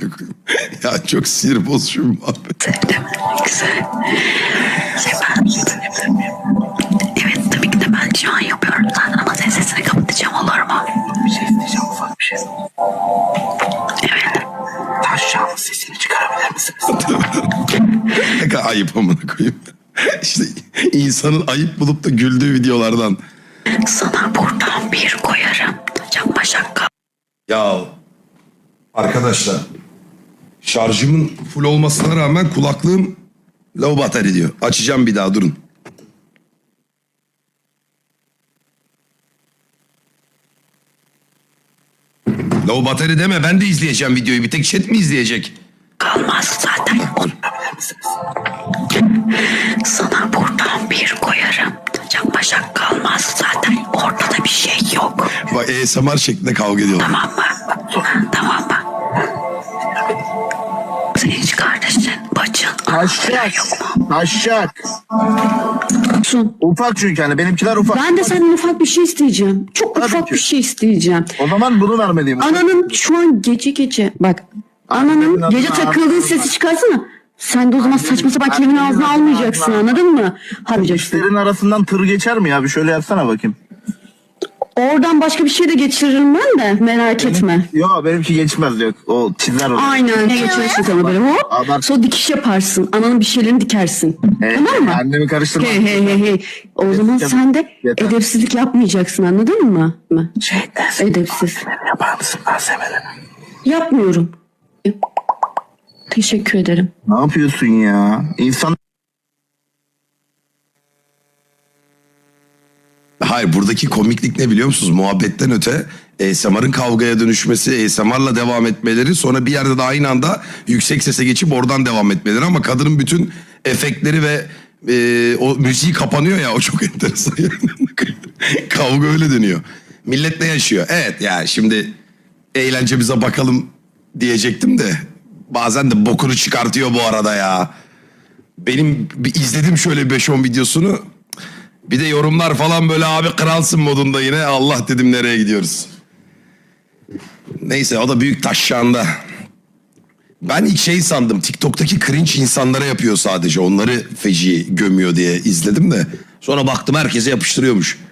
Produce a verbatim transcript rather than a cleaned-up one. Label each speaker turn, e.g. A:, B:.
A: koyayım. Ya çok sinir bozucu bir muhabbet.
B: Güzel. Şey ben... Evet tabii ki de ben şu an yapıyorum zaten ama senin sesini kapatacağım, olur mu?
C: Bir şey isteyeceğim, ufak bir şey.
B: Evet.
C: Taşşağının sesini çıkarabilir misiniz?
A: Ne kadar ayıp amına koyayım. İşte insanın ayıp bulup da güldüğü videolardan.
B: Sana buradan bir koyarım. Yapma şaka.
A: Ya arkadaşlar, şarjımın full olmasına rağmen kulaklığım low battery diyor. Açacağım bir daha, durun. Low battery deme, ben de izleyeceğim videoyu. Bir tek chat mi izleyecek?
B: Kalmaz zaten. Sana buradan bir koyarım. Yapma şaka, kalmaz zaten. Ortada bir şey yok.
A: Bak A S M R şeklinde kavga ediyorlar.
B: Tamam mı? Tamam mı? Senin hiç kardeşin, bacın,
C: Taşşak.
B: yok mu?
C: Taşşak.
D: Sun.
C: Ufak çünkü hani benimkiler ufak.
D: Ben de senden ufak bir şey isteyeceğim. Çok
C: Tabii
D: ufak
C: ki.
D: bir şey isteyeceğim.
C: O zaman bunu vermeliyim.
D: Ananın şu an gece gece bak. Ananın
C: Annemin
D: gece
C: adına
D: takıldığın
C: ağzına-
D: sesi çıkarsana. Sen de o zaman saçma sapan kelimenin
C: Annemin
D: ağzına
C: adına
D: almayacaksın,
C: ağzına-
D: anladın mı? Harcayacaksın.
C: Dişlerin arasından tır geçer mi ya? Bir şöyle yapsana bakayım.
D: Oradan başka bir şey de geçiririm ben de, merak etme.
C: Yok benimki geçmez yok. O çizer onu.
D: Aynen geçirirsin sana böyle hop.
C: Abart-
D: Sonra dikiş yaparsın. Ananın bir şeylerini dikersin.
C: He,
D: Tamam mı?
C: Annemi karıştırma.
D: Hey hey hey hey. O zaman
C: Yeter.
D: sen de
C: Yeter.
D: edepsizlik yapmayacaksın, anladın mı?
C: Şey dersin.
D: Edepsiz.
C: Yapar mısın malzemelerini?
D: Yapmıyorum. Teşekkür ederim.
C: Ne yapıyorsun ya? İnsan
A: Hayır, buradaki komiklik ne biliyor musunuz? Muhabbetten öte A S M R'ın kavgaya dönüşmesi, A S M R'la devam etmeleri, sonra bir yerde de aynı anda yüksek sese geçip oradan devam etmeleri, ama kadının bütün efektleri ve e, o müziği kapanıyor ya, o çok enteresan. Kavga öyle dönüyor. Millet ne yaşıyor? Evet yani şimdi eğlencemize bakalım diyecektim de bazen de bokunu çıkartıyor bu arada ya. Benim bir izledim şöyle beş on videosunu. Bir de yorumlar falan böyle abi kralsın modunda yine. Allah dedim, nereye gidiyoruz? Neyse, o da büyük taşşağında. Ben ilk şey sandım, TikTok'taki cringe insanlara yapıyor sadece. Onları feci gömüyor diye izledim de. Sonra baktım herkese yapıştırıyormuş.